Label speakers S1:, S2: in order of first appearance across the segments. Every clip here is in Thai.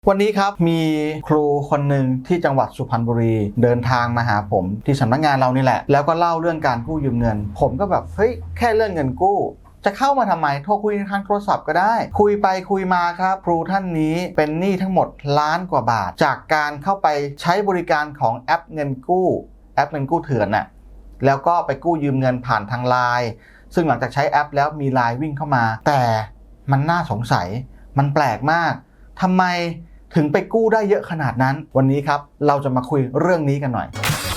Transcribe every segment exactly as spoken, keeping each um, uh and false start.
S1: วันนี้ครับมีครูคนหนึ่งที่จังหวัดสุพรรณบุรีเดินทางมาหาผมที่สำนักงานเรานี่แหละแล้วก็เล่าเรื่องการกู้ยืมเงินผมก็แบบเฮ้ยแค่เรื่องเงินกู้จะเข้ามาทำไมโทรคุยทางโทรศัพท์ก็ได้คุยไปคุยมาครับครูท่านนี้เป็นหนี้ทั้งหมดล้านกว่าบาทจากการเข้าไปใช้บริการของแอปเงินกู้แอปเงินกู้เถื่อนน่ะแล้วก็ไปกู้ยืมเงินผ่านทางไลน์ซึ่งหลังจากใช้แอปแล้วมีไลน์วิ่งเข้ามาแต่มันน่าสงสัยมันแปลกมากทำไมถึงไปกู้ได้เยอะขนาดนั้นวันนี้ครับเราจะมาคุยเรื่องนี้กันหน่อย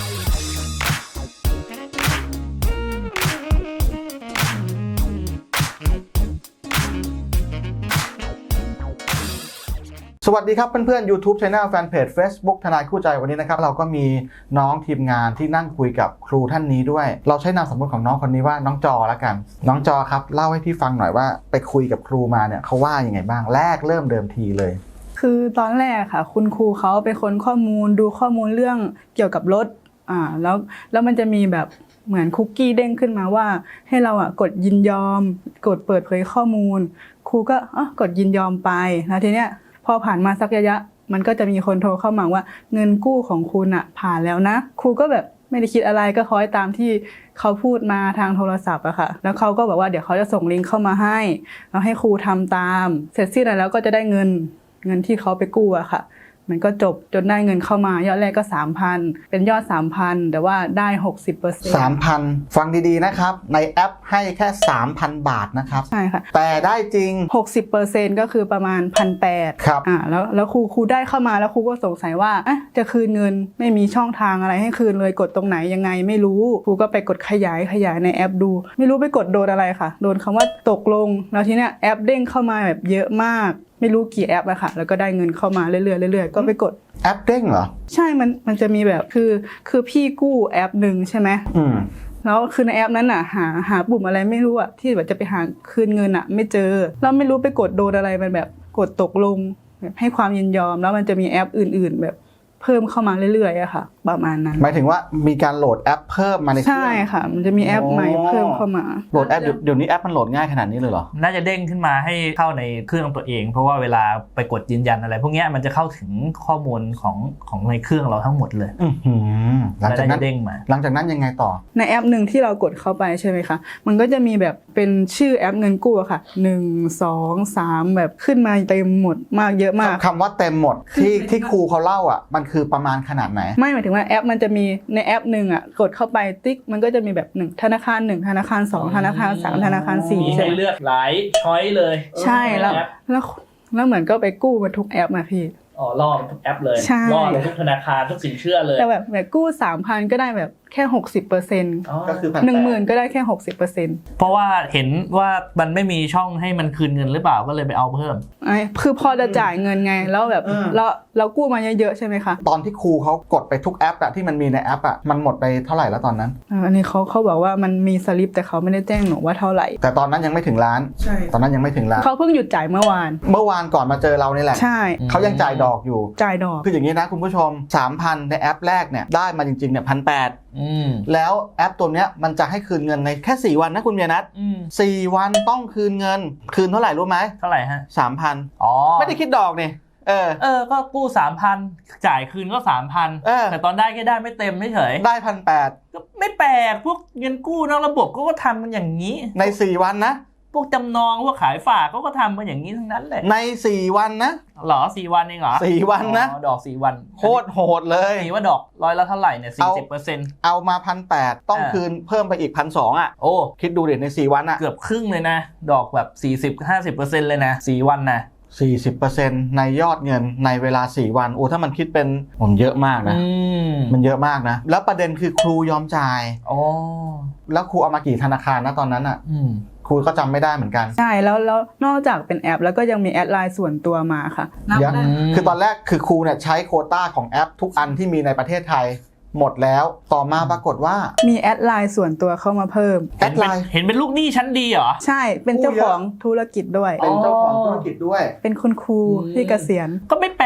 S1: สวัสดีครับเพื่อนๆ YouTube Channel Fanpage Facebook ทนายคู่ใจวันนี้นะครับเราก็มีน้องทีมงานที่นั่งคุยกับครูท่านนี้ด้วยเราใช้นามสมมติของน้องคนนี้ว่าน้องจอแล้วกันน้องจอครับเล่าให้พี่ฟังหน่อยว่าไปคุยกับครูมาเนี่ยเขาว่ายังไงบ้างแรกเริ่มเดิมทีเลย
S2: คือตอนแรกค่ะคุณครูเขาเป็นคนข้อมูลดูข้อมูลเรื่องเกี่ยวกับรถอ่าแล้วแล้วมันจะมีแบบเหมือนคุกกี้เด้งขึ้นมาว่าให้เราอ่ะกดยินยอมกดเปิดเผยข้อมูลครูก็อ่ะกดยินยอมไปแล้วทีเนี้ยพอผ่านมาสักระยะมันก็จะมีคนโทรเข้ามาว่าเงินกู้ของคุณอ่ะผ่านแล้วนะครูก็แบบไม่ได้คิดอะไรก็คอยตามที่เขาพูดมาทางโทรศัพท์อะค่ะแล้วเขาก็บอกว่าเดี๋ยวเขาจะส่งลิงก์เข้ามาให้แล้วให้ครูทำตามเสร็จสิ้นแล้วก็จะได้เงินเงินที่เขาไปกู้อะค่ะมันก็จบจนได้เงินเข้ามายอดแรกก็ สามพัน เป็นยอด สามพัน แต่ว่าได้ หกสิบเปอร์เซ็นต์
S1: สามพัน ฟังดีๆนะครับในแอปให้แค่ สามพัน บาทนะครับ
S2: ใช่ค่ะ
S1: แต่ได้จริง
S2: หกสิบเปอร์เซ็นต์ ก็คือประมาณ หนึ่งพันแปดร้อย
S1: ครับ
S2: อ่าแล้วแล้วครูครูได้เข้ามาแล้วครูก็สงสัยว่าเอ๊ะจะคืนเงินไม่มีช่องทางอะไรให้คืนเลยกดตรงไหนยังไงไม่รู้ครูก็ไปกดขยายขยายในแอปดูไม่รู้ไปกดโดนอะไรค่ะโดนคำว่าตกลงแล้วทีเนี้ยแอปเด้งเข้ามาแบบเยอะมากไม่รู้กี่แอปอะค่ะแล้วก็ได้เงินเข้ามาเรื่อยๆเรื่อยๆก็ไปกด
S1: แอปเด้งเหรอ
S2: ใช่มันมันจะมีแบบคือคือพี่กู้แอปหนึ่งใช่ไหม
S1: อืม
S2: แล้วคือในแอปนั้นอะหาหาปุ่มอะไรไม่รู้อะที่แบบจะไปหาคืนเงินอะไม่เจอแล้วไม่รู้ไปกดโดนอะไรมันแบบกดตกลงแบบให้ความยินยอมแล้วมันจะมีแอปอื่นๆแบบเพิ่มเข้ามาเรื่อยๆอะค่ะประมาณนั้น
S1: หมายถึงว่ามีการโหลดแอปเพิ่มมาในเครื่อง
S2: ใช่ค่ะมันจะมีแอปใหม่เพิ่มเข้ามา
S1: โหลดแอปเดี๋ยวนี้แอปมันโหลดง่ายขนาดนี้เลยเหรอ
S3: น่าจะเด้งขึ้นมาให้เข้าในเครื่องตัวเองเพราะว่าเวลาไปกดยืนยันอะไรพวกนี้มันจะเข้าถึงข้อมูลของของในเครื่องเราทั้งหมดเลย
S1: หลังจากนั้น
S3: เด้งมา
S1: หลังจากนั้นยังไงต่อ
S2: ในแอปหนึ่งที่เรากดเข้าไปใช่ไหมคะมันก็จะมีแบบเป็นชื่อแอปเงินกู้ค่ะหนึ่ง สอง สามแบบขึ้นมาเต็มหมดมากเยอะมาก
S1: คำว่าเต็มหมดที่ที่ครูเขาเล่าอ่ะมันคือประมาณขนาดไหน
S2: ไม่หมายถึงว่าแอปมันจะมีในแอปหนึ่งอ่ะกดเข้าไปติ๊กมันก็จะมีแบบหนึ่งธนาคารหนึ่งธนาคารสองธนาคารสามธนาคารสี่
S3: มีให้เลือกหลายช้อยเลย
S2: ใช่แล้วแล้วแล้วเหมืมือนก็ไปกู้มาทุกแอปมาพี่
S3: อ๋อล่อทุกแอปเลยล่อทุกธนาคารทุกสินเชื่อเลย
S2: แต่แบบแบบกู้ สามพัน ก็ได้แบบแค่ หกสิบเปอร์เซ็นต์
S1: ก็คือ
S2: หนึ่งหมื่น ก็ได้แค่ หกสิบเปอร์เซ็นต์
S3: เพราะว่าเห็นว่ามันไม่มีช่องให้มันคืนเงินหรือเปล่าก็เลยไปเอาเพิ่ม
S2: ไอ้คือพอจะจ่ายเงินไงแล้วแบบเราเรากู้มาเยอะๆใช่ไหมคะ
S1: ตอนที่ครูเขากดไปทุกแอปอะที่มันมีในแอปอะมันหมดไปเท่าไหร่แล้วตอนนั้น
S2: อันนี้เขาเขาบอกว่ามันมีสลิปแต่เขาไม่ได้แจ้งหนูว่าเท่าไหร่
S1: แต่ตอนนั้นยังไม่ถึงล้าน
S2: ใช่
S1: ตอนนั้นยังไม่ถึงล้าน
S2: เขาเพิ่งหยุดจ่ายเมื่อวาน
S1: เมื่อวานก่อนมาเจอเรานี่แหละ
S2: ใช่
S1: เขายังจ่ายดอกอยู่
S2: จ่ายดอก
S1: คืออย่างนี้นะคุณผู้ชม สามพัน ในแอปแรกเนี่ยได้มาจริงๆเนี่ย หนึ่งพันแปดร้อย
S3: อืม
S1: แล้วแอปตัวเนี้ยมันจะให้คืนเงินในแค่สี่วันนะคุณเมียนัท
S3: อืม
S1: สี่วันต้องคืนเงินคืนเท่าไหร่รู้ไหม
S3: เท่าไหร่ฮะ
S1: สามพัน
S3: อ๋อ
S1: ไม่ได้คิดดอกนี่เออ
S3: เออก็กู้ สามพัน จ่ายคืนก็ สามพัน
S1: เออ
S3: แต่ตอนได้แค่ได้ไม่เต็มเฉย
S1: ได้ หนึ่งพันแปดร้อย
S3: ก็ไม่แปลกพวกเงินกู้นอกระบบก็ทำกันอย่างนี้
S1: ในสี่วันนะ
S3: พวกจำนองพวกขายฝากเขาก็ทำกันอย่างนี้ทั้งนั้นแหละ
S1: ในสี่วันนะ
S3: หรอสี่วันเองเหรอ
S1: สี่วันนะ
S3: ดอกสี่วัน
S1: โคตรโหดเลย
S3: นี่ว่าดอกร้อยละเท่าไหร่เนี่ย สี่สิบเปอร์เซ็นต์
S1: เอามา หนึ่งพันแปดร้อย ต้องคืนเพิ่มไปอีก หนึ่งพันสองร้อย อ่ะ
S3: โอ้
S1: คิดดูดิในสี่วันอ่ะ
S3: เกือบครึ่งเลยนะดอกแบบ สี่สิบ ห้าสิบเปอร์เซ็นต์ เลยนะสี่วันนะ
S1: สี่สิบเปอร์เซ็นต์ ในยอดเงินในเวลาสี่วันโอ้ถ้ามันคิดเป็นผมเยอะมากนะมันเยอะมากนะแล้วประเด็นคือครูยอมจ่าย
S3: อ๋อ
S1: แล้วครูเอามากี่ธนาคารนะตอนนั้นอ่ะครูก็จำไม่ได้เหมือนกัน
S2: ใช่แล้วแล้วนอกจากเป็นแอปแล้วก็ยังมีแอดไลน์ส่วนตัวมาค่ะ
S1: คือตอนแรกคือครูเนี่ยใช้โควต้าของแอปทุกอันที่มีในประเทศไทยหมดแล้วต่อมาปรากฏว่า
S2: มีแอดไลน์ส่วนตัวเข้ามาเพิ่ม
S1: แอดไลน์
S3: เห็นเป็นลูกหนี้ชั้นดีเหรอ
S2: ใช่เป็นเจ้าของธุรกิจด้วย
S1: เป็นเจ้าของธุรกิจด้วย
S2: เป็นคุณครูที่เกษียณ
S3: ก็ไม่แปล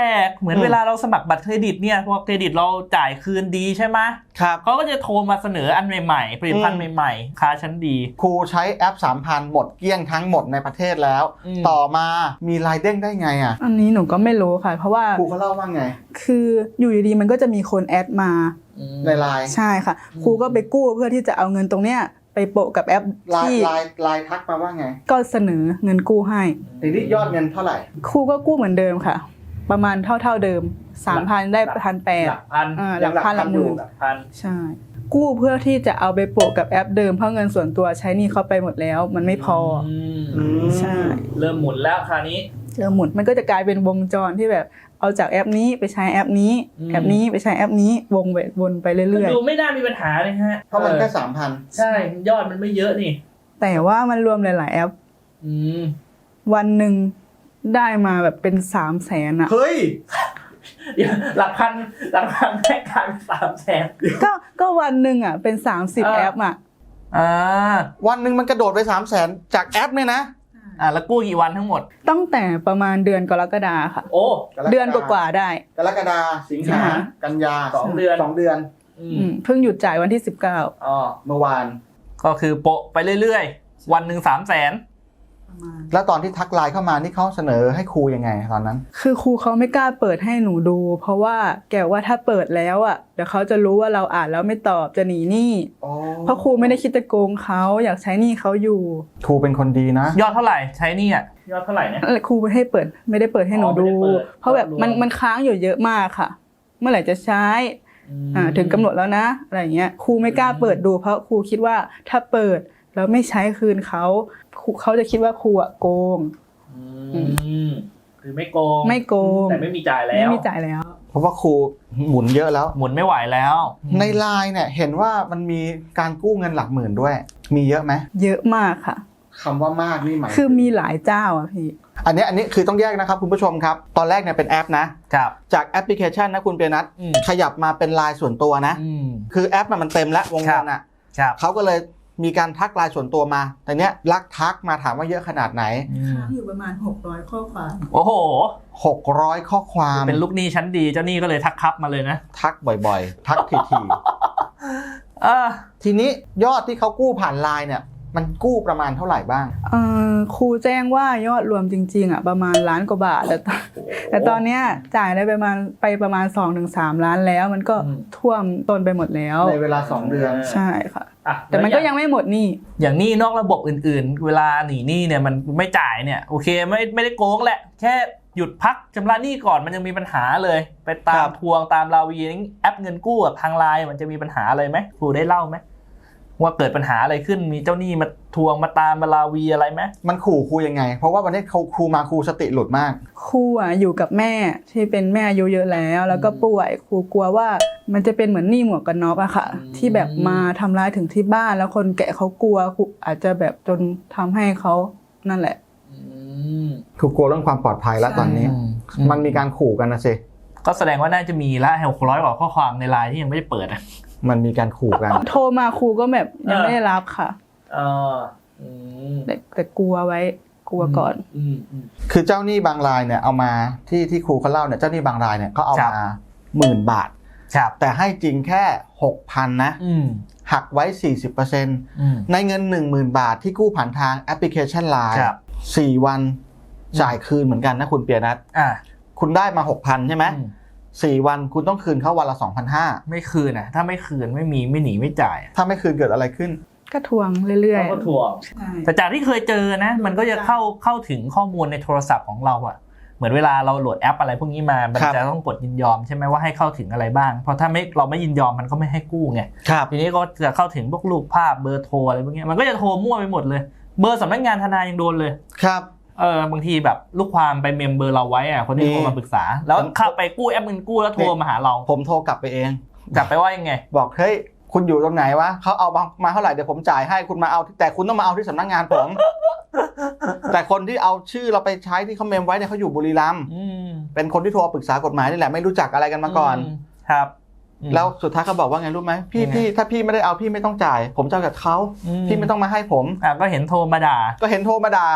S3: กเหมือนเวลาเราสมัครบัตรเครดิตเนี่ยพอเครดิตเราจ่ายคืนดีใช่ไหม
S1: ครับ
S3: เขาก็จะโทรมาเสนออันใหม่ๆผลิตภัณฑ์ใหม่ๆค่าชั้นดี
S1: ครูใช้แอป สามพัน หมดเกลี้ยงทั้งหมดในประเทศแล้ว
S3: อืม
S1: ต่อมามีรายเด้งได้ไงอ่ะ
S2: อันนี้หนูก็ไม่รู้ค่ะ เพราะว่า
S1: ครูเขาเล่าว่าไง
S2: คืออยู่ดีๆมันก็จะมีคนแอดมา
S1: ในไลน์
S2: ใช่ค่ะ ครูก็ไปกู้เพื่อที่จะเอาเงินตรงเนี้ยไปโปะกับแอป
S1: ไลน์
S2: ที่
S1: ไลน์ไลน์ทักมาว่าไง
S2: ก็เสนอเงินกู้ให้
S1: ทีนี้ยอดเงินเท่าไหร่
S2: ครูก็กู้เหมือนเดิมค่ะ ประมาณเท่าเท่าๆเดิม สามพัน ได้พันแปด
S3: หลักพัน
S2: หลักพันหลักหมื่น
S3: หลักพัน
S2: ใช่ กู้เพื่อที่จะเอาไปโปะกับแอปเดิมเพราะเงินส่วนตัวใช้หนี่เขาไปหมดแล้ว มันไม่พอ
S3: ม
S1: อืม
S2: ใช่
S3: เริ่มหมุนแล้วคราวนี้
S2: เริ่มหมุนมันก็จะกลายเป็นวงจรที่แบบเอาจากแอปนี้ไปใช้แอปนี้
S3: อืม
S2: แอปนี้ไปใช้แอปนี้วงไปวนไปเรื่อย
S3: ดูไม่น่ามีปัญหาเลยฮะ
S1: เพราะมันแค่
S3: ออ
S1: สามพัน
S3: ใช่ยอดมันไม่เยอะนี่
S2: ๆ แต่ว่ามันรวมหลายๆแอป
S3: อืม
S2: วันหนึ่งได้มาแบบเป็นสามแสนอะ
S1: เฮ้ย
S3: เดี๋ยวหลักพันหลักพันแค่กลายเป็นสามแสน
S2: ก็ก็วันหนึ่งอะเป็นสามสิบ
S3: เออ
S2: แอปอะ
S3: อ่า
S1: วันหนึ่งมันกระโดดไปสามแสนจากแอปเนี่ยนะ
S3: อ่าแล้วกู้กี่วันทั้งหมด
S2: ตั้งแต่ประมาณเดือนกรกฎาค่ะ
S3: โอ้
S2: เดือนกว่าๆได้
S1: กรกฎาสิงหา
S2: ใช่
S1: กันยา
S3: สองเดือน
S1: สองเดือน
S3: อื
S2: อื
S3: ม
S2: มเพิ่งหยุดจ่ายวันที่สิบเก้า
S3: อ๋อ
S1: เมื่อวาน
S3: ก็คือโปะไปเรื่อยๆ วันหนึ่งสามแสน
S1: แล้วตอนที่ทักไลน์เข้ามานี่เขาเสนอให้ครูยังไงตอนนั้น
S2: คือครูเขาไม่กล้าเปิดให้หนูดู เพราะว่าแกว่าถ้าเปิดแล้วอ่ะเดี๋ยวเขาจะรู้ว่าเราอ่านแล้วไม่ตอบจะหนีหนี้
S1: อ๋อ
S2: เพราะครูไม่ได้คิดจะโกงเขาอยากใช้หนี้เขาอยู่
S1: ครูเป็นคนดีนะ
S3: ยอดเท่าไหร่ใช้หนี่อ่ะยอดเท่าไหร่เนี่ย
S2: เออครูไม่ให้เปิดไม่ได้เปิดให้หนู
S3: อ๋อไม่
S2: ดู
S3: ได้เปิด
S2: เพราะแบบมัน
S3: รวม
S2: มันค้างอยู่เยอะมากค่ะ เมื่อไหร่จะใช้อ่าถึงกำหนดแล้วนะอะไรอย่างเงี้ยครูไม่กล้าเปิดดูเพราะครูคิดว่าถ้าเปิดแล้วไม่ใช้คืนเขาครูเขาจะคิดว่าครูอะโกง
S3: อืมคือไม่โกง
S2: ไม่โกง
S3: แต่ไม่มีจ่ายแล้
S2: ไม่
S3: ว
S2: มีจ่ายแล้ว
S1: เพราะว่าครูหมุนเยอะแล้ว
S3: หมุนไม่ไหวแล้ว
S1: ในไลน์เนี่ยเห็นว่ามันมีการกู้เงินหลักหมื่นด้วย มีเยอะไหม
S2: เยอะมากค่ะ
S1: คำว่ามากนี่หมาย
S2: คือมีหลายเจ้าอะพี่
S1: อันนี้อันนี้คือต้องแยกนะครับคุณผู้ชมครับ ตอนแรกเนี่ยเป็นแอปนะ
S3: ครับ
S1: จากแอปพลิเคชันนะคุณเปียนัท
S3: อืม
S1: ขยับมาเป็นไลน์ส่วนตัวนะ
S3: อืม
S1: คือแอปน่ะมันเต็มแล้ววงเงินอ่ะ
S3: ครับ
S1: เขาก็เลยมีการทักไลน์ส่วนตัวมา แต่เนี้ยลักทักมาถามว่าเยอะขนาดไหน
S3: อืม
S2: อยู่ประมาณหกร้อยข้อความ
S3: โอ้โห
S1: หกร้อยข้อความ
S3: เป็นลูกหนี้ชั้นดีเจ้าหนี้ก็เลยทักครับมาเลยนะ
S1: ทักบ่อยๆ ทักที
S3: เออ
S1: ๆ ทีนี้ยอดที่เขากู้ผ่านไลน์เนี่ยมันกู้ประมาณเท่าไหร่บ้าง
S2: เอ่อครูแจ้งว่ายอดรวมจริงๆอ่ะประมาณล้านกว่าบาทแต่ตอนแต่ตอนเนี้ยจ่ายได้ประมาณไปประมาณ สองถึงสาม ล้านแล้ว มันก็
S3: อืม
S2: ท่วมต้นไปหมดแล้ว
S1: ในเวลาสองเดือน
S2: ใช่ค่ะ
S3: อ่ะ
S2: แต่มันก็ยังไม่หมดหนี่
S3: อย่างหนี้นอกระบบอื่นๆ เวลาหนีหนี้เนี่ยมันไม่จ่ายเนี่ยโอเคไม่ไม่ได้โกงแหละ แค่หยุดพักชำระหนี้ก่อนมันยังมีปัญหาเลย ไปตา
S1: ครั
S3: ม
S1: บ
S3: ทวงตามราวีแอปเงินกู้กับทางไลน์มันจะมีปัญหาอะไรไหมครูได้เล่าไหมว่าเกิดปัญหาอะไรขึ้นมีเจ้าหนี้มาทวงมาตามมาลาวีอะไรไหม
S1: มันขู่ครูยังไง เพราะว่าวันนี้เขาครูมาครูสติหลุดมาก
S2: ครูอ่ะอยู่กับแม่ที่เป็นแม่อายุเยอะแล้ว แล้วก็ป่วยครูกลัวว่ามันจะเป็นเหมือนหนี้หมวกกันน็อกอะค่ะ ที่แบบมาทำร้ายถึงที่บ้านแล้วคนแก่เขากลัวครูอาจจะแบบจนทำให้เขานั่นแหละ
S1: ครูกลัวเรื่องความปลอดภัยแล้วตอนนี้ มันมีการขู่กันนะสิ
S3: ก็แสดงว่าน่าจะมีละหกร้อยกว่าข้อความในไลน์ที่ยังไม่ได้เปิดอ่ะ
S1: มันมีการขู่กัน
S2: โทรมาครูก็แบบยังไม่ได้รับค่ะ
S3: เอออืม
S2: แต่แต่กลัวไว้กลัวก่อน
S3: อืมอืม
S1: คือเจ้าหนี้บางรายเนี่ยเอามาที่ที่ครูเขาเล่าเนี่ยเจ้าหนี้บางรายเนี่ยเขาเอา
S3: ครับ
S1: มาหมื่นบาท
S3: ครับ
S1: แต่ให้จริงแค่ หกพัน นะ
S3: อืม
S1: หักไว้ สี่สิบเปอร์เซ็นต์
S3: อืม
S1: ในเงิน หนึ่งหมื่น บาทที่กู้ผ่านทางแอปพลิเคชัน ไลน์
S3: ครับ
S1: สี่วันจ่ายคืนเหมือนกันนะคุณเปียนัท
S3: อ่า
S1: คุณได้มา หกพัน ใช่ไหม
S3: อืม
S1: สี่วันคุณต้องคืนเขาวันละ สองพันห้าร้อย
S3: ไม่คืนอ่ะ ถ้าไม่คืนไม่มีไม่หนีไม่จ่ายอะ
S1: ถ้าไม่คืนเกิดอะไรขึ้น
S2: ก็ทวงเรื่อย
S3: เขาก็ทวง
S2: ๆ
S3: แต่จากที่เคยเจอนะ มันก็จะเข้าเข้าถึงข้อมูลในโทรศัพท์ของเราอะเหมือนเวลาเราโหลดแอปอะไรพวกนี้มา มัน
S1: ครับ
S3: จะต้องกดยินยอมใช่ไหมว่าให้เข้าถึงอะไรบ้าง เพราะถ้าไม่เราไม่ยินยอมมันก็ไม่ให้กู้ไง
S1: ครับ
S3: ทีนี้ก็จะเข้าถึงพวกรูปภาพเบอร์โทรอะไรพวกนี้มันก็จะโทรมั่วไปหมดเลย เบอร์สำนักงานทนายยังโดนเลย
S1: ครับ
S3: เออบางทีแบบลูกความไปเมมเบอร์เราไว้อะคนที่
S1: นี่
S3: โทรมาปรึกษา แล้วเข้าไปกู้แอปเงินกู้แล้วโทรมาหาเรา
S1: ผมโทรกลับไปเอง
S3: กลับไปว่ายังไง
S1: บอกเฮ้ยคุณอยู่ตรงไหนวะเขาเอามามาเท่าไหร่เดี๋ยวผมจ่ายให้คุณมาเอาแต่คุณต้องมาเอาที่สำนักงานผม แต่คนที่เอาชื่อเราไปใช้ที่เขาเมมไว้เนี่ยเขาอยู่บุรีรัมย์
S3: อืม
S1: เป็นคนที่โทรปรึกษากฎหมายนี่แหละไม่รู้จักอะไรกันมาก่อน
S3: มครับอืม
S1: แล้วสุดท้ายเขาบอกว่าไงรู้ไหมพี่
S3: ยังไง
S1: พี่ถ้าพี่ไม่ได้เอาพี่ไม่ต้องจ่าย ผมจะเอากับเขา
S3: อืม
S1: พี่ไม่ต้องมาให้ผม
S3: อ่ะก็เห็นโทรมาด่า
S1: ก็เห็นโทรมาด่า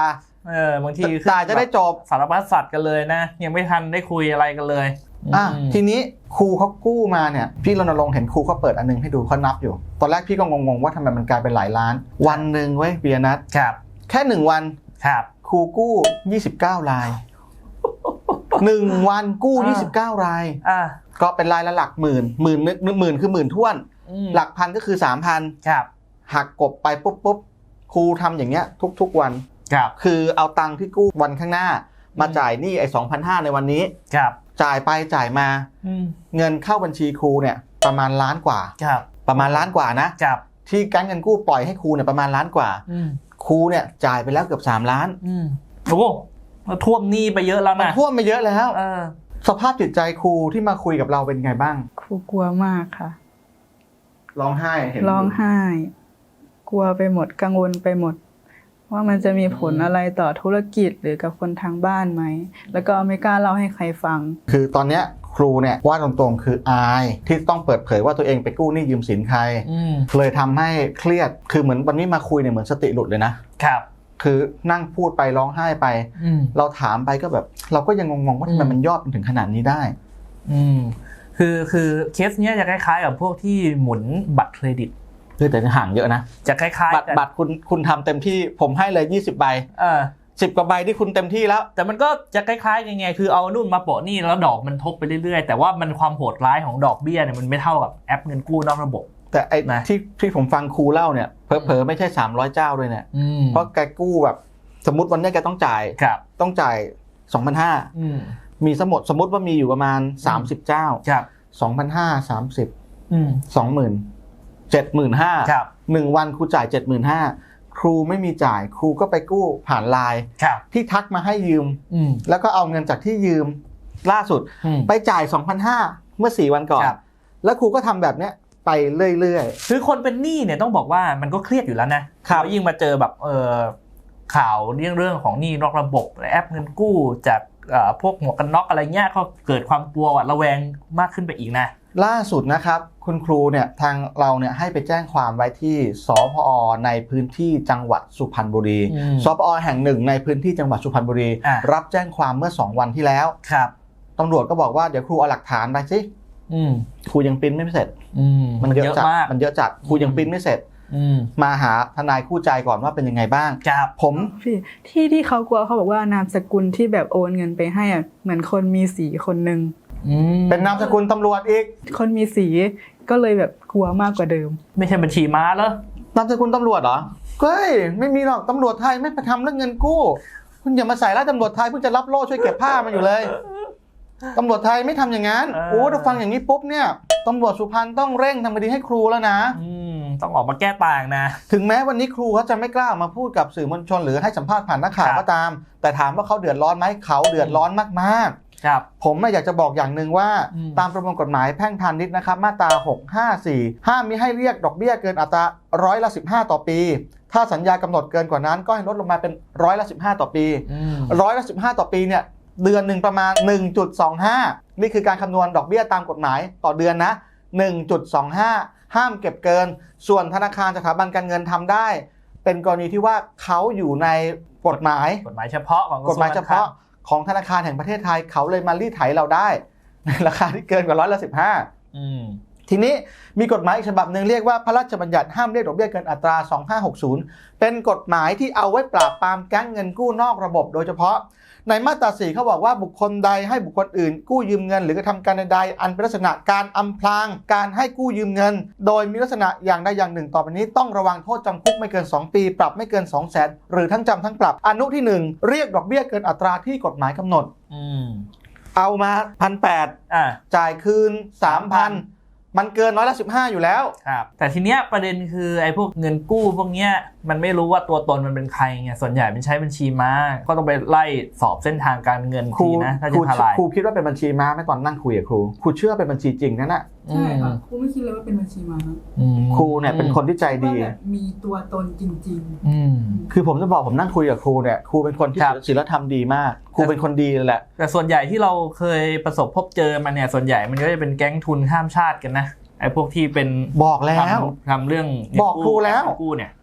S3: เออบางที
S1: จ่ายจะได้จบ
S3: สารพัดสัตว์กันเลยนะยังไม่ทันได้คุยอะไรกันเลย
S1: อ่ะทีนี้ครูเขากู้มาเนี่ยพี่รณรงค์เห็นครูเขาเปิดอันนึงให้ดูเขานับอยู่ตอนแรกพี่ก็งงๆว่าทำไมมันกลายเป็นหลายล้านวันหนึ่งเว้ยเบียร์นัท
S3: ครับ
S1: แค่หนึ่งวัน
S3: ครับ
S1: ครูกู้ยี่สิบเก้ารายหนึ่งวันกู้ยี่สิบเก้าราย
S3: อ่า
S1: ก็เป็นรายละหลักหมื่นหมื่นนึกหมื่นคือหมื่นท้วนหลักพันก็คือสามพัน
S3: ครับ
S1: หักกบไปปุ๊บปุ๊บครูทำอย่างเงี้ยทุกๆวัน
S3: ครับ
S1: คือเอาตังค์ที่กู้วันข้างหน้ามาจ่ายหนี้ไอ้สองพันห้าในวันนี้
S3: ครับ
S1: จ่ายไปจ่ายมาเงินเข้าบัญชีครูเนี่ยประมาณล้านกว่า
S3: ครับ
S1: ประมาณล้านกว่านะครับ ที่แก๊งเงินกู้ปล่อยให้ครูเนี่ยประมาณล้านกว่าครูเนี่ยจ่ายไปแล้วเกือบสามล้าน
S3: โอ้ท่วมหนี้ไปเยอะแล้ว
S1: มัน
S3: นะ
S1: ท่วมไปเยอะแล้ว
S3: เออ
S1: สภาพจิตใจครูที่มาคุยกับเราเป็นไงบ้าง
S2: ครูกลัวมากค่ะ
S1: ร้องไห้เห็น
S2: ร้องไห้ กลัวไปหมดกังวลไปหมด ว่ามันจะมีผลอะไรต่อธุรกิจหรือกับคนทางบ้านไหมแล้วก็ไม่กล้าเล่าให้ใครฟัง
S1: คือตอนเนี้ยครูเนี่ยว่าตรงๆคืออายที่ต้องเปิดเผยว่าตัวเองไปกู้หนี้ยืมสินใครเลยทำให้เครียดคือเหมือนวันนี้มาคุยเนี่ยเหมือนสติหลุดเลยนะครับคือนั่งพูดไปร้องไห้ไปเราถามไปก็แบบเราก็ยังงงๆว่าทำไมมันยอดถึงขนาดนี้ได้
S3: อืมคือคือเคสเนี้ยจะคล้ายๆกับพวกที่หมุนบัตรเครดิต
S1: คือแต่ห่างเยอะนะ
S3: จะคล้ายๆ
S1: บัตรบัตรคุณคุณทำเต็มที่ผมให้เลยยี่สิบใบ
S3: เออ
S1: สิบกว่าใบที่คุณเต็มที่แล้ว
S3: แต่มันก็จะคล้ายๆยังไงคือเอานู่นมาโปะนี่แล้วดอกมันทบไปเรื่อยๆแต่ว่ามันความโหดร้ายของดอกเบี้ยเนี่ยมันไม่เท่ากับแอปเงินกู้นอกระบบ
S1: แต่ไอ้ที่ที่ผมฟังครูเล่าเนี่ยเผลอๆไม่ใช่สามร้อยเจ้าด้วยเนี่ยเพราะแกกู้แบบสมมติวันนี้แกต้องจ่ายต้องจ่าย สองพันห้าร้อย อืมมีสมมติสมมติว่ามีอยู่ประมาณสามสิบเจ้า
S3: ครับ
S1: สองพันห้าร้อยสามสิบอืม สองหมื่น เจ็ดหมื่นห้าพัน
S3: ครับ
S1: หนึ่งวันครูจ่าย เจ็ดหมื่นห้าพัน ครูไม่มีจ่ายครูก็ไปกู้ผ่านไลน์ที่ทักมาให้ยืมแล้วก็เอาเงินจากที่ยืมล่าสุดไปจ่าย สองพันห้าร้อย เมื่อสี่วันก่อนแล้วครูก็ทำแบบเนี้ยไปเรื่อย
S3: ๆคือคนเป็นหนี้เนี่ยต้องบอกว่ามันก็เครียดอยู่แล้วนะแล้วยิ่งมาเจอแบบเออข่าวเรื่องเรื่องของหนี้นอกระบบแอปเงินกู้จากพวกหมวกกันน็อกอะไรเงี้ยก็เกิดความกลัวหวาดระแวงมากขึ้นไปอีกนะ
S1: ล่าสุดนะครับคุณครูเนี่ยทางเราเนี่ยให้ไปแจ้งความไว้ที่สพอในพื้นที่จังหวัดสุพรรณบุรีสพอแห่งหนึ่งในพื้นที่จังหวัดสุพรรณบุรีรับแจ้งความเมื่อสองวันที่แล้ว
S3: ครับ
S1: ตำรวจก็บอกว่าเดี๋ยวครูเอาหลักฐานไปสิครูยังปริ้นไม่เสร็จมันเยอะจัดมันเยอะจัดครูยังปริ้นไม่เสร็จมาหาทนายคู่ใจก่อนว่าเป็นยังไงบ้างผม
S2: พี่ที่ที่เขากลัวเขาบอกว่านามสกุลที่แบบโอนเงินไปให้อ่ะเหมือนคนมีสีคนนึง
S1: เป็นนามสกุลตำรวจอีก
S2: คนมีสีก็เลยแบบกลัวมากกว่าเดิม
S3: ไม่ใช่บัญชีม้าเหรอน
S1: ามสกุลตำรวจเหรอเฮ้ยไม่มีหรอกตำรวจไทยไม่ไปทำเรื่องเงินกู้คุณอย่ามาใส่ร้ายตำรวจไทยเพิ่งจะรับโล่ช่วยเก็บผ้ามาอยู่เลยตำรวจไทยไม่ทำอย่างนั้นโอ้ถ้าฟังอย่างนี้ปุ๊บเนี่ยตำรวจสุพรรณต้องเร่งทำคดีให้ครูแล้วนะ
S3: ต้องออกมาแก้ต่างนะ
S1: ถึงแม้วันนี้ครูเขาจะไม่กล้ามาพูดกับสื่อมวลชนหรือให้สัมภาษณ์ผ่านนักข่าวก็ตามแต่ถามว่าเขาเดือดร้อนไหมเขาเดือดร้อนมากๆครับผมอยากจะบอกอย่างหนึ่งว่าตามประมวลกฎหมายแพ่งพาณิชย์นะครับมาตราหกห้าสี่ห้ามมิให้เรียกดอกเบี้ยเกินอัตราร้อยละสิบห้าต่อปีถ้าสัญญากำหนดเกินกว่านั้นก็ให้ลดลงมาเป็นร้อยละสิบห้าต่อปีร้อยละสิบห้าต่อปีเนี่ยเดือนหนึ่งประมาณ หนึ่งจุดสองห้า นี่คือการคำนวณดอกเบี้ยตามกฎหมายต่อเดือนนะ หนึ่งจุดสองห้า ห้ามเก็บเกินส่วนธนาคารสถาบันการเงินทำได้เป็นกรณีที่ว่าเขาอยู่ในกฎหมาย
S3: กฎหมายเฉพาะของ
S1: กฎหมายเฉพาะของธนาคารแห่งประเทศไทยเขาเลยมารีดไถเราได้ในราคาที่เกินกว่าร้อยละสิบห้าอืมทีนี้มีกฎหมายอีกฉบับหนึ่งเรียกว่าพระราชบัญญัติห้ามเรียกดอกเบี้ยเกินอัตราสองพันห้าร้อยหกสิบเป็นกฎหมายที่เอาไว้ปราบปรามแก๊งเงินกู้นอกระบบโดยเฉพาะในมาตราสี่เขาบอกว่าบุคคลใดให้บุคคลอื่นกู้ยืมเงินหรือกระทำการใดๆอันเป็นลักษณะการอำพรางการให้กู้ยืมเงินโดยมีลักษณะอย่างใดอย่างหนึ่งต่อไปนี้ต้องระวังโทษจำคุกไม่เกินสองปีปรับไม่เกิน สองแสน หรือทั้งจำทั้งปรับอนุที่หนึ่งเรียกดอกเบี้ยเกินอัตราที่กฎหมายกำหนดอืมเอามา หนึ่งพันแปดร้อย อ่าจ่ายคืน สามพันมันเกินร้อยละสิบห้าอยู่แล้ว
S3: ครับแต่ทีเนี้ยประเด็นคือไอ้พวกเงินกู้พวกเนี้ยมันไม่รู้ว่าตัวตนมันเป็นใครไงส่วนใหญ่เป็นใช้บัญชีม้าก็ต้องไปไล่สอบเส้นทางการเงินทีนะถ้าจะทลาย
S1: ครูคิดว่าเป็นบัญชีม้าไม่ตอนนั่งคุยกับครูครูเชื่อเป็นบัญชีจริงนั่นแหละ
S2: ใช่ค่ะครูไม่คิดเลยว่าเป็นบัญชีม้า
S1: ครูเนี่ยเป็นคนที่ใจดี
S2: มีตัวตนจริง
S1: ๆคือผมจะบอกผมนั่งคุยกับครูเนี่ยครูเป็นคนที่ศีลธรรมดีมากครูเป็นคนดีแหละ
S3: แต่ส่วนใหญ่ที่เราเคยประสบพบเจอมาเนี่ยส่วนใหญ่มันก็จะเป็นแก๊งทุนข้ามชาติกันนะไอ้พวกที่เป็น
S1: บอกแล้ว
S3: ทำเรื่อง
S1: บอกครูแล้ว
S3: กู้เนี่ย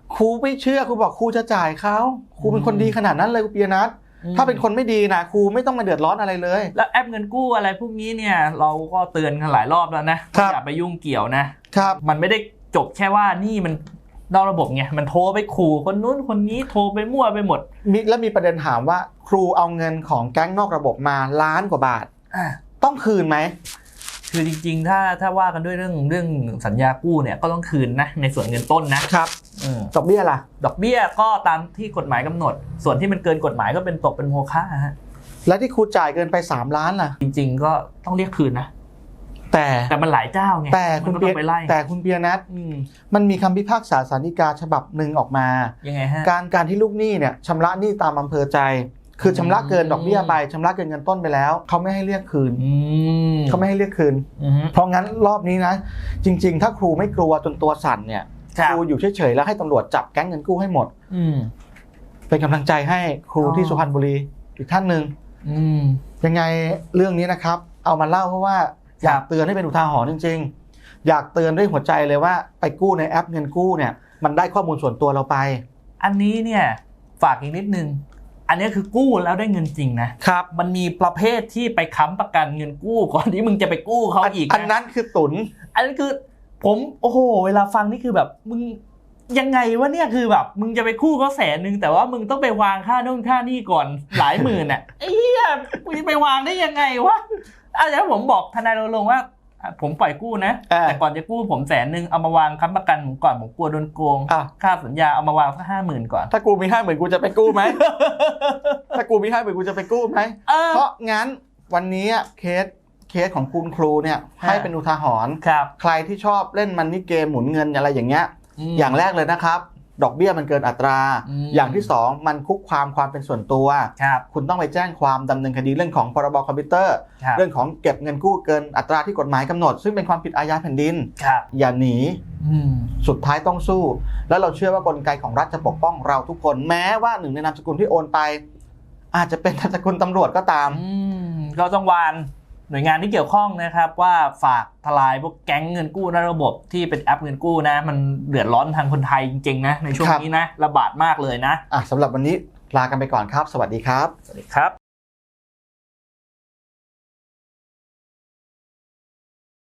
S1: ครูไม่เชื่อครูบอกครูจะจ่ายเขาครูเป็นคนดีขนาดนั้นเลยครูปียนัทถ้าเป็นคนไม่ดีนะครูไม่ต้องมาเดือดร้อนอะไรเลย
S3: แล้วแอปเงินกู้อะไรพวกนี้เนี่ยเราก็เตือนกันหลายรอบแล้วนะอย่าไปยุ่งเกี่ยวนะครับมันไม่ได้จบแค่ว่านี่มันนอกระบบไงมันโทรไปขู่คนนู้นคนนี้โทรไปมั่วไปหมด
S1: มีแล้วมีประเด็นถามว่าครูเอาเงินของแก๊งนอกระบบมาล้านกว่าบาทต้องคืนไหม
S3: คือจริงๆถ้าถ้าว่ากันด้วยเรื่องเรื่องสัญญากู้เนี่ยก็ต้องคืนนะในส่วนเงินต้นนะครับ
S1: ดอกเบี้ยล่ะ
S3: ดอกเบี้ยก็ตามที่กฎหมายกำหนดส่วนที่มันเกินกฎหมายก็เป็นตกเป็นโมฆะฮะ
S1: และที่ครูจ่ายเกินไปสามล้านล่ะ
S3: จริงๆก็ต้องเรียกคืนนะ
S1: แต่
S3: แต่มันหลายเจ้าไง
S1: แต่คุณเปียแต่คุณเปียนัทมันมีคำพิพากษาศาลฎีกาฉบับหนึ่งออกมา
S3: ยังไงฮะ
S1: การการที่ลูกหนี้เนี่ยชำระหนี้ตามอำเภอใจคือชำระเกินดอกเบี้ยไปชำระเกินเงินต้นไปแล้วเขาไม่ให้เรียกคืนเขาไม่ให้เรียกคืนเพราะงั้นรอบนี้นะจริงๆถ้าครูไม่กลัวจนตัวสั่นเนี่ยครูอยู่เฉยๆแล้วให้ตำรวจจับแก๊งเงินกู้ให้หมดเป็นกำลังใจให้ครูที่สุพรรณบุรีอีกท่านหนึ่งยังไงเรื่องนี้นะครับเอามาเล่าเพราะว่าอยากเตือนให้เป็นอุทาหรณ์จริงๆอยากเตือนด้วยหัวใจเลยว่าไปกู้ในแอปเงินกู้เนี่ยมันได้ข้อมูลส่วนตัวเราไป
S3: อันนี้เนี่ยฝากอีกนิดนึงอันนี้คือกู้แล้วได้เงินจริงนะครับมันมีประเภทที่ไปค้ำประกันเงินกู้ก่อนที่มึงจะไปกู้เขาอีก
S1: อันนั้นคือตุน
S3: อันนั้นคือผมโอ้โหเวลาฟังนี่คือแบบมึงยังไงวะเนี่ยคือแบบมึงจะไปกู้เขาแสนนึงแต่ว่ามึงต้องไปวางค่าโน่นค่านี่ก่อนหลายหมื่นอ่ะไอ้เหี้ยมึงไปวางได้ยังไงวะอาจารย์ผมบอกทนายรณรงค์ว่าผมปล่อยกู้นะแต่ก่อนจะกู้ผมแสนนึงเอามาวางค้ำประกันผมก่อนผมกลัวโดนโกงค่าสัญญาเอามาวางสักห้าหมื่นก่อน
S1: ถ้ากูมีห้าหมื่นกูจะไปกู้ไหม ถ้ากูมีห้าหมื่นกูจะไปกู้ไหมเพราะงั้นวันนี้เคสเคสของคุณครูเนี่ยให้เป็นอุทาหรณ์ใครที่ชอบเล่นมันนี่เกมหมุนเงินอะไรอย่างเงี้ยอย่างแรกเลยนะครับดอกเบี้ยมันเกินอัตราอย่างที่สองมันคุกคามความเป็นส่วนตัวคุณต้องไปแจ้งความดำเนินคดีเรื่องของพรบคอมพิวเตอร์เรื่องของเก็บเงินกู้เกินอัตราที่กฎหมายกำหนดซึ่งเป็นความผิดอาญาแผ่นดินอย่าหนีสุดท้ายต้องสู้แล้วเราเชื่อว่ากลไกของรัฐจะปกป้องเราทุกคนแม้ว่าหนึ่งในนามสกุลที่โอนไปอาจจะเป็นนามสกุลตำรวจก็ตาม
S3: เราต้องวานหน่วยงานที่เกี่ยวข้องนะครับว่าฝากทลายพวกแก๊งเงินกู้ในระบบที่เป็นแอปเงินกู้นะมันเดือดร้อนทางคนไทยจริงๆนะในช่วงนี้นะระบาดมากเลยนะ
S1: อ่ะสำหรับวันนี้ลากันไปก่อนครับสวัสดีครับ
S3: สวัสดีครับ